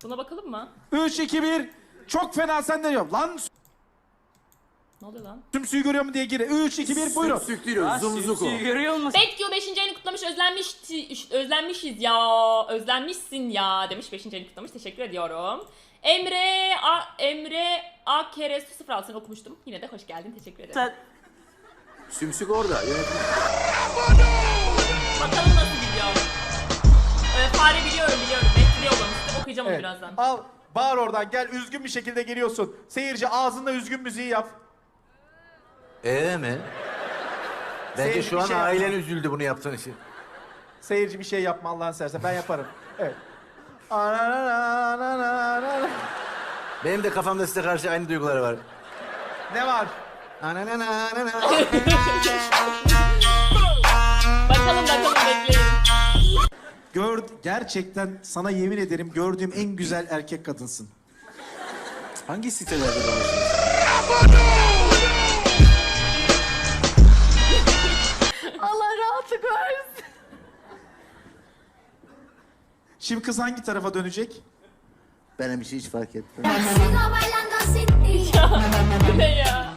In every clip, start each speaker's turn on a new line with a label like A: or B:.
A: Buna bakalım mı?
B: 3, 2, 1. Çok fena senden yok. Lan
A: Ne oluyor lan?
B: sümsüğü görüyor mu diye gir. 3, 2, 1 buyurun.
C: Sümsük değil o, zumzuku.
D: Görüyor musun?
A: Betgio 5. ayını kutlamış, özlenmişiz ya, özlenmişsin ya demiş, 5. ayını kutlamış, teşekkür ediyorum. Emre A kere 06'sını okumuştum, yine de hoş geldin, teşekkür ederim.
D: Sen
C: Sümsük orada. Yönetmen.
A: Bakalım nasıl gidiyor. Fare biliyorum, Mehdi yollamıştı, okuyacağım onu birazdan.
B: Al bağır oradan gel, üzgün bir şekilde geliyorsun. Seyirci ağzında üzgün müziği yap.
C: Mi? Bence
B: Seyirci
C: şu
B: bir
C: an
B: şey
C: ailen
B: yapma.
C: üzüldü bunu yaptığın için.
B: Seyirci bir şey yapma Allah'ını seversen, ben yaparım. Evet.
C: Benim de kafamda size karşı aynı duygular var.
B: Ne var?
A: Bakalım bekleyin.
B: Gerçekten sana yemin ederim gördüğüm en güzel erkek kadınsın.
C: Hangi sitelerde dolaşıyorsun?
A: Allah rahatlık versin.
B: Şimdi kız hangi tarafa dönecek?
C: Benim bir şey hiç fark etmem.
A: Bu ne ya?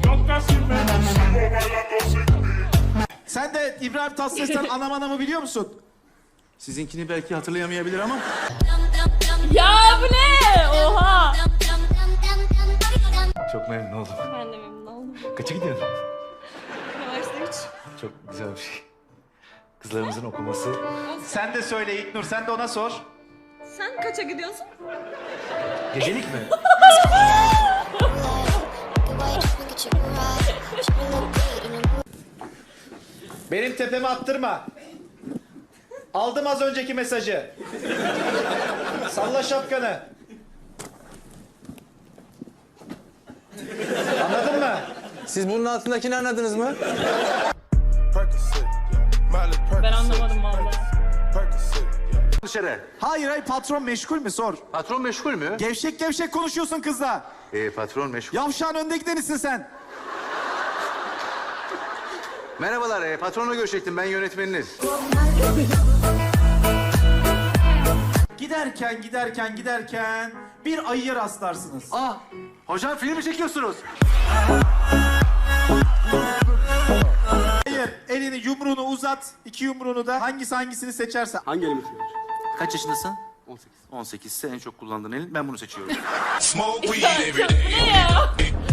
B: Sen de İbrahim Tatlıses'ten anam anamı biliyor musun?
C: Sizinkini belki hatırlayamayabilir ama.
A: Ya bu ne? Oha.
C: Çok memnun oldum.
E: Ben de memnun oldum.
C: Kaça gidiyorsun?
E: Üniversite 3.
C: Çok güzel bir şey. Kızlarımızın okuması.
B: Sen de söyle İlknur, sen de ona sor.
E: Sen kaça gidiyorsun?
C: Gecelik mi?
B: Benim tepeme attırma. Aldım az önceki mesajı. Salla şapkanı. Anladın mı?
C: Siz bunun altındakini anladınız mı?
A: Ben anlamadım valla.
C: Dışarı.
B: Hayır patron meşgul mü sor.
C: Patron meşgul mü?
B: Gevşek gevşek konuşuyorsun kızla.
C: Patron meşgul.
B: Yavşağın önde gidenisin sen.
C: Merhabalar, patronla görüşecektim. Ben yönetmeniniz.
B: Giderken bir ayıya rastlarsınız.
C: Hocam film mi çekiyorsunuz?
B: Hayır, elini yumruğunu uzat, iki yumruğunu da hangisini seçersen.
F: Hangi elimi tutuyor?
C: Kaç yaşındasın?
F: 18.
C: 18 ise en çok kullandığın elin. Ben bunu seçiyorum.
A: Bu ne ya?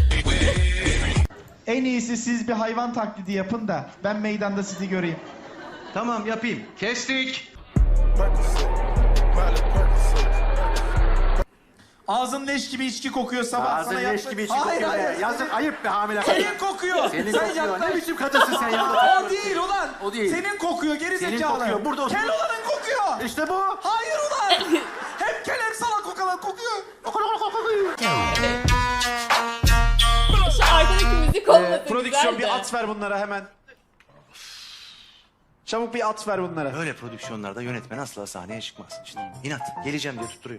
B: En iyisi siz bir hayvan taklidi yapın da ben meydanda sizi göreyim.
C: Tamam, yapayım. Kestik.
B: Ağzın leş gibi içki kokuyor sabah
C: Ağzın
B: sana
C: leş
B: yaptı-
C: gibi içki
B: Hayır,
C: kokuyor.
B: hayır.
C: Yazık, ayıp be hamile.
B: Senin kokuyor.
C: Senin
B: Sen
C: kokuyor.
B: yaklaş.
C: Ne biçim kadınsın sen ya?
B: O değil ulan.
C: O değil.
B: Senin kokuyor geri
C: Senin
B: zekalı.
C: kokuyor, burada otur.
B: Kel olanın kokuyor.
C: İşte bu.
B: Hayır ulan. Hem kel hem salak kokalan kokuyor.
A: Şu arkadaki müzik olması
B: Prodüksiyon
A: güzel
B: bir
A: de.
B: at ver bunlara hemen. Çabuk bir at ver bunlara.
C: Böyle prodüksiyonlarda yönetmen asla sahneye çıkmaz. İşte inat, geleceğim diye tutturuyor.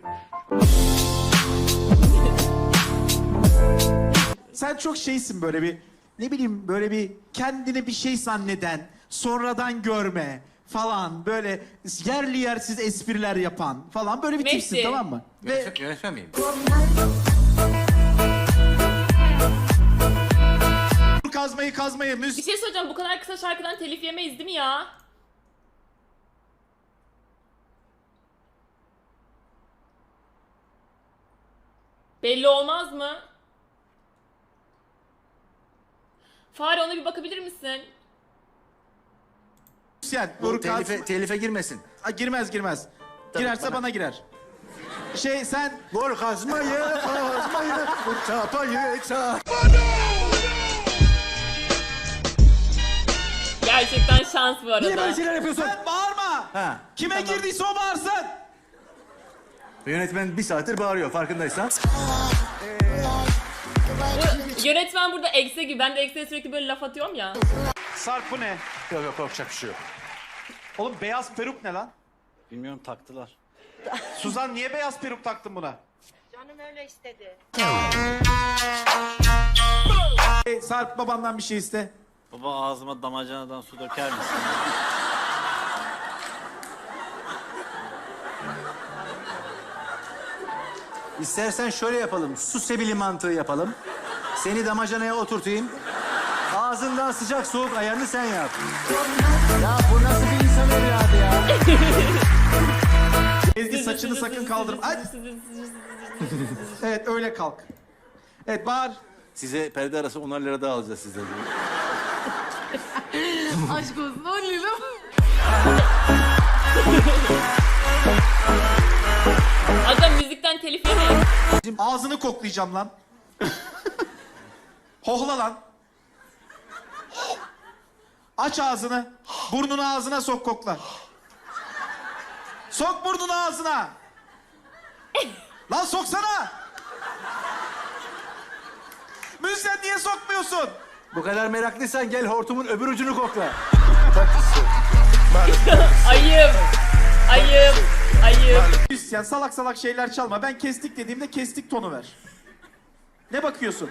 B: Sen çok şeysin böyle bir, ne bileyim böyle bir kendini bir şey zanneden, sonradan görme falan, böyle yerli yersiz espriler yapan falan böyle bir
A: Messi.
B: tipsin, tamam mı? Ve
C: Yönetmen miyim?
B: kazmayı
A: Bir şey söyleyeceğim, bu kadar kısa şarkıdan telif yemeyiz değil mi ya? Belli olmaz mı? Fare, ona bir bakabilir misin?
B: müzisyen.
C: Bu telife girmesin.
B: Girmez. Girerse bana girer. Sen
C: Vur kazmayı, vur çapayı,
A: Gerçekten şans bu arada.
C: Niye böyle şeyler yapıyorsun?
B: sen bağırma.
C: Ha,
B: Kime girdiyse o bağırsın.
C: Yönetmen bir saattir bağırıyor farkındaysan.
A: Bu yönetmen burada ekse gibi. Ben de ekseye sürekli böyle laf atıyorum ya.
B: Sarp bu ne?
C: Yok korkacak bir şey yok.
B: Oğlum beyaz peruk ne lan?
F: Bilmiyorum, taktılar.
B: Suzan niye beyaz peruk taktın buna?
E: Canım öyle istedi.
B: Sarp babandan bir şey iste.
F: Baba, ağzıma damacanadan su döker misin?
C: İstersen şöyle yapalım. Su sebili mantığı yapalım. Seni damacanaya oturtayım. Ağzından sıcak soğuk ayarını sen yap. Ya bu nasıl bir insan evladı ya?
B: Ezgi saçını sakın kaldırma. Ay. Evet öyle kalk. Evet bağır.
C: Size perde arası 10 lira daha alacağız sizden.
D: Aşk olsun 10 lira.
A: Adam müzikten telif yemeyin.
B: Ağzını koklayacağım lan. Hohla lan. Aç ağzını. Burnunu ağzına sok kokla. Sok burnunu ağzına. Lan soksana. Müzisyen niye sokmuyorsun?
C: Bu kadar meraklıysan gel hortumun öbür ucunu kokla.
A: Ayıp. Ayıp. Ayıp.
B: Müzisyen salak salak şeyler çalma. Ben kestik dediğimde kestik tonu ver. Ne bakıyorsun?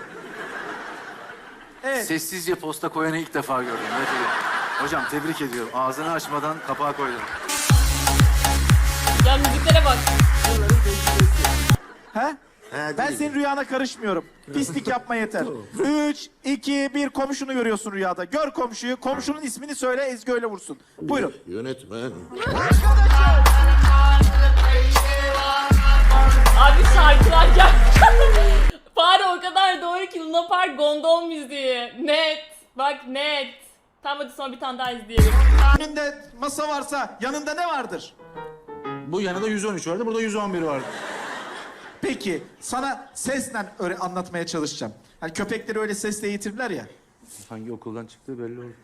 B: Evet.
C: Sessizce posta koyanı ilk defa gördüm. Evet, evet. Hocam tebrik ediyorum. Ağzını açmadan kapağı koydun.
A: Ya müziklere bak.
B: He? Ben senin rüyana karışmıyorum. Pislik yapma yeter. 3, 2, 1 komşunu görüyorsun rüyada. Gör komşuyu. Komşunun ismini söyle Ezgi öyle vursun. Buyurun.
G: Yönetmen.
A: Abi şarkılar gel. Fare o kadar doğru ki Luna Park gondol müziği. Net. Bak net. Tamam hadi sonra bir tane daha izleyelim.
B: Önünde masa varsa yanında ne vardır?
C: Bu yanında 113 vardı, burada 111 vardı.
B: Peki sana sesle öyle anlatmaya çalışacağım. Hani köpekleri öyle sesle eğitirler ya.
C: Hangi okuldan çıktığı belli oldu.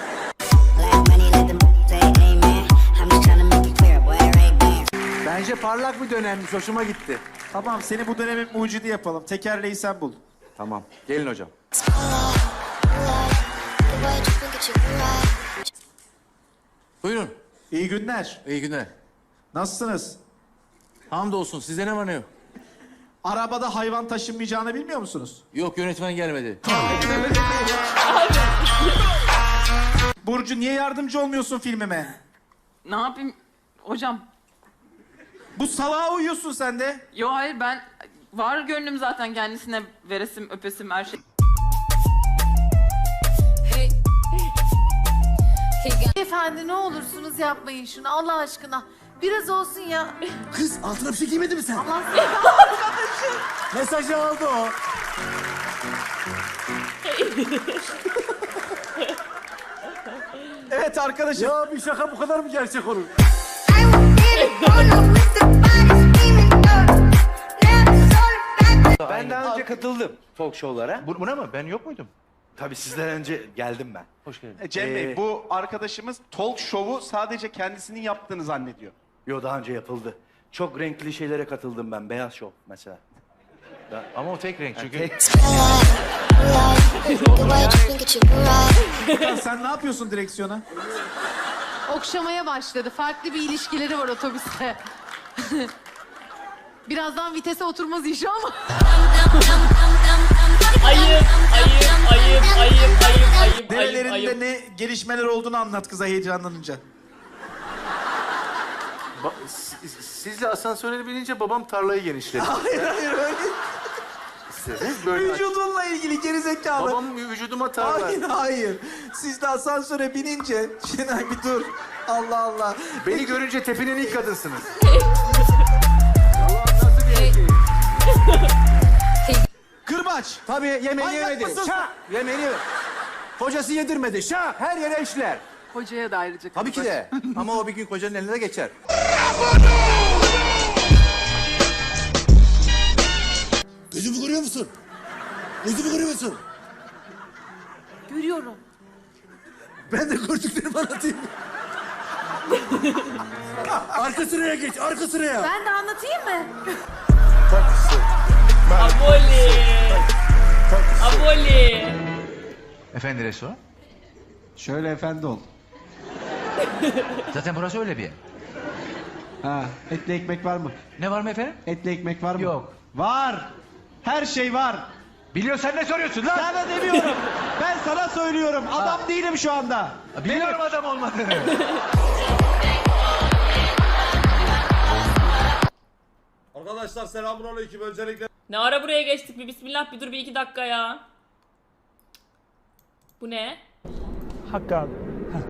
C: Bence parlak bir dönemmiş, hoşuma gitti.
B: Tamam seni bu dönemin mucidi yapalım. Tekerleği sen bul.
C: Tamam, gelin hocam. Buyurun,
B: İyi günler.
C: iyi günler.
B: Nasılsınız?
C: Hamdolsun, sizde ne var ne yok?
B: Arabada hayvan taşınmayacağını bilmiyor musunuz?
C: Yok, yönetmen gelmedi.
B: Burcu niye yardımcı olmuyorsun filmime?
D: Ne yapayım hocam?
B: Bu salağa uyuyorsun sen de.
D: Yo hayır ben var gönlüm zaten kendisine veresim öpesim her şey.
H: Efendi ne olursunuz yapmayın şunu Allah aşkına. Biraz olsun ya.
G: Kız altına bir şey giymedin mi sen?
H: Allah
C: Mesajı aldı o.
B: Evet arkadaşım.
C: Ya bir şaka bu kadar mı gerçek olur?
I: Ben daha önce katıldım talk show'lara.
C: Buna mı? Ben yok muydum?
I: Tabii sizden önce geldim ben.
C: Hoş geldin.
J: Cem Bey, bu arkadaşımız talk show'u sadece kendisinin yaptığını zannediyor.
I: Yo daha önce yapıldı. Çok renkli şeylere katıldım ben. Beyaz şov mesela.
C: Ama o tek renk çünkü.
B: Sen ne yapıyorsun direksiyona?
H: okşamaya başladı. Farklı bir ilişkileri var otobüste. Birazdan vitese oturmaz inşallah.
A: Ayıp. Ayıp. Ayıp. Ayıp. Ayıp. Ayıp.
B: Nerelerinde
A: Ayıp.
B: ne gelişmeler olduğunu anlat kıza heyecanlanınca.
C: Sizle asansöre binince babam tarlayı genişledi.
B: Hayır öyle.
C: İstediniz böyle.
B: Vücudunla ilgili gerizekalı.
C: Babam vücuduma tarla.
B: Hayır. Siz de asansöre binince... Şenay bir dur. Allah Allah.
C: Beni görünce tepinen ilk kadınsınız.
B: Kırbaç.
C: Tabii yemeğini
B: Manyak
C: yemedi.
B: mısın?
C: Şah! Yemeğini yemedi. Kocası yedirmedi. Şah! Her yere işler.
D: Hocaya da ayrıca.
C: Tabii ki de. Ama o bir gün kocanın eline de geçer.
G: Gözümü görüyor musun? Gözümü görüyor musun?
H: Görüyorum.
G: Ben de gördüklerimi anlatayım. Arka sıraya geç, arka sıraya.
H: Ben de anlatayım mı?
A: Aboli. Aboli.
K: Efendi restoran?
B: Şöyle efendi ol.
K: Zaten burası öyle bir yer.
B: Ha, etli ekmek var mı?
K: Ne var mı efendim?
B: Etli ekmek var mı?
K: Yok.
B: Var. Her şey var.
K: Biliyorsan ne soruyorsun lan?
B: Sana demiyorum. Ben sana söylüyorum. Adam değilim şu anda.
K: Biliyorum adam olmadığını.
G: Arkadaşlar selamünaleyküm. Öncelikle
A: Ne ara buraya geçtik bir bismillah bir dur bir iki dakika ya. Bu ne?
L: Hakkı abi.